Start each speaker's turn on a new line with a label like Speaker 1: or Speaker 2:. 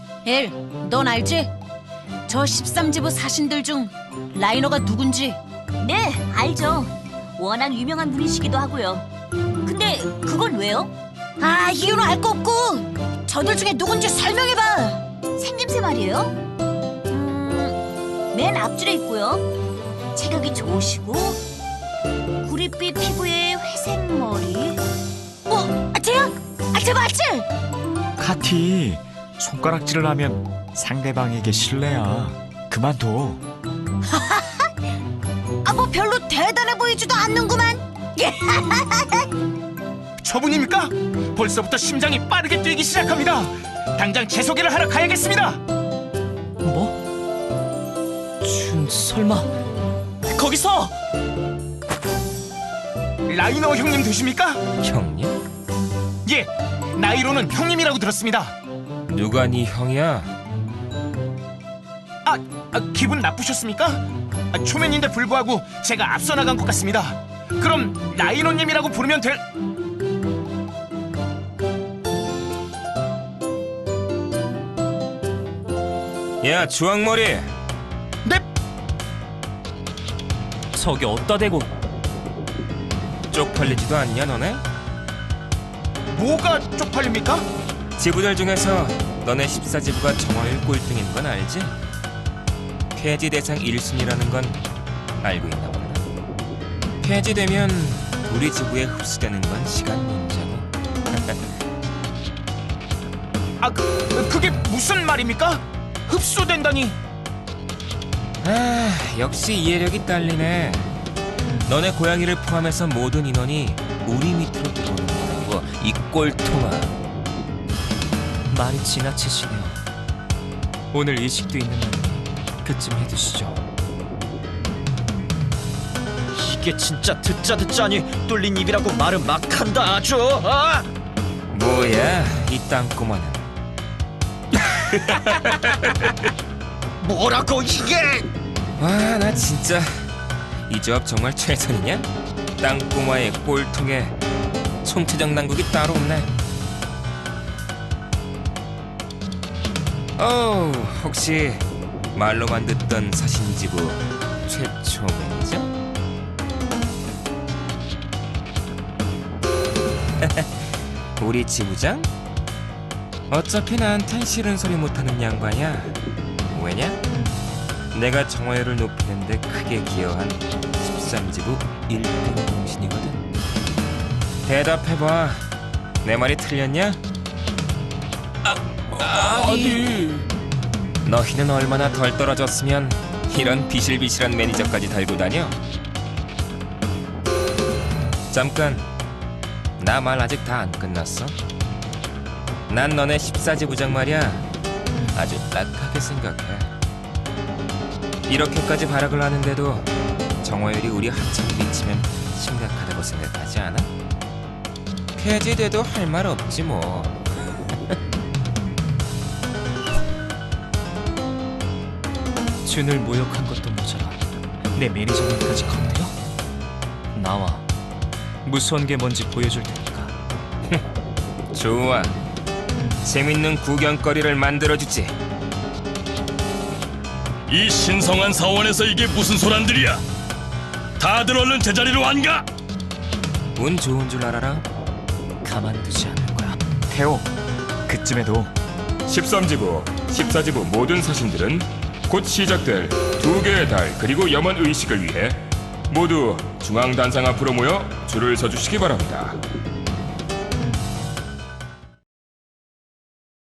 Speaker 1: 엘, 넌 알지? 저 13지부 사신들 중 라이너가 누군지.
Speaker 2: 네, 알죠. 워낙 유명한 분이시기도 하고요. 근데 그건 왜요?
Speaker 1: 아, 이유는 알 거 없고 저들 중에 누군지 설명해봐.
Speaker 2: 생김새 말이에요? 맨 앞줄에 있고요. 체격이 좋으시고 구릿빛 피부에 회색 머리.
Speaker 1: 쟤야? 쟤 맞지?
Speaker 3: 카티, 손가락질을 하면 상대방에게 실례야. 그만둬.
Speaker 1: 뭐 별로 대단해 보이지도 않는구만.
Speaker 4: 저분입니까? 벌써부터 심장이 빠르게 뛰기 시작합니다. 당장 제 소개를 하러 가야겠습니다.
Speaker 5: 뭐? 설마 거기서!
Speaker 4: 라이너 형님 되십니까?
Speaker 5: 형님?
Speaker 4: 예, 나이로는 형님이라고 들었습니다.
Speaker 5: 누가 네 형이야?
Speaker 4: 기분 나쁘셨습니까? 초면인데 불구하고 제가 앞서 나간 것 같습니다. 그럼 라이너님이라고 부르면 될...
Speaker 5: 야, 주황머리!
Speaker 4: 넵!
Speaker 5: 저기 어디다 대고 쪽팔리지도 않냐 너네?
Speaker 4: 뭐가 쪽팔립니까?
Speaker 5: 지부들 중에서 너네 14지부가 정화율 꼴등인 건 알지? 폐지 대상 1순위라는 건 알고 있나 보다. 폐지되면 우리 지부에 흡수되는 건 시간 문제고.
Speaker 4: 그게 무슨 말입니까? 흡수된다니.
Speaker 5: 역시 이해력이 딸리네. 너네 고양이를 포함해서 모든 인원이 우리 밑으로 들어오는 거라고, 이 꼴통아.
Speaker 6: 말이 지나치시네요. 오늘 이식도 있는 날이니 그쯤 해두시죠.
Speaker 7: 이게 진짜 듣자니 뚫린 입이라고 말은 막 한다 아주.
Speaker 5: 뭐야, 이 땅꼬마는.
Speaker 7: 뭐라고 이게?
Speaker 5: 와, 나 진짜 이 조합 정말 최선이냐? 땅꼬마의 꼴통에 총체적 난국이 따로 없네. 혹시 말로만 듣던 사신지부 최초 매니저? 우리 지부장? 어차피 나한텐 싫은 소리 못하는 양반이야. 왜냐? 내가 정화율을 높이는데 크게 기여한 13지부 1등 공신이거든. 대답해봐. 내 말이 틀렸냐?
Speaker 6: 아니.
Speaker 5: 너희는 얼마나 덜 떨어졌으면 이런 비실비실한 매니저까지 달고 다녀? 잠깐, 나 말 아직 다 안 끝났어. 난 너네 14지부장 말이야, 아주 딱하게 생각해. 이렇게까지 발악을 하는데도 정화율이 우리 한참 미치면 심각하다고 생각하지 않아? 폐지돼도 할 말 없지 뭐.
Speaker 6: 준을 모욕한 것도 모자라 내 매니저님까지 건드려? 나와. 무서운 게 뭔지 보여줄 테니까.
Speaker 5: 좋아. 재밌는 구경거리를 만들어주지.
Speaker 8: 이 신성한 사원에서 이게 무슨 소란들이야? 다들 얼른 제자리로 안 가?
Speaker 5: 운 좋은 줄 알아라.
Speaker 6: 가만두지 않을 거야.
Speaker 3: 태호, 그쯤에도
Speaker 9: 13지부, 14지부 모든 사신들은 곧 시작될 2개의 달 그리고 염원 의식을 위해 모두 중앙단상 앞으로 모여 줄을 서주시기 바랍니다.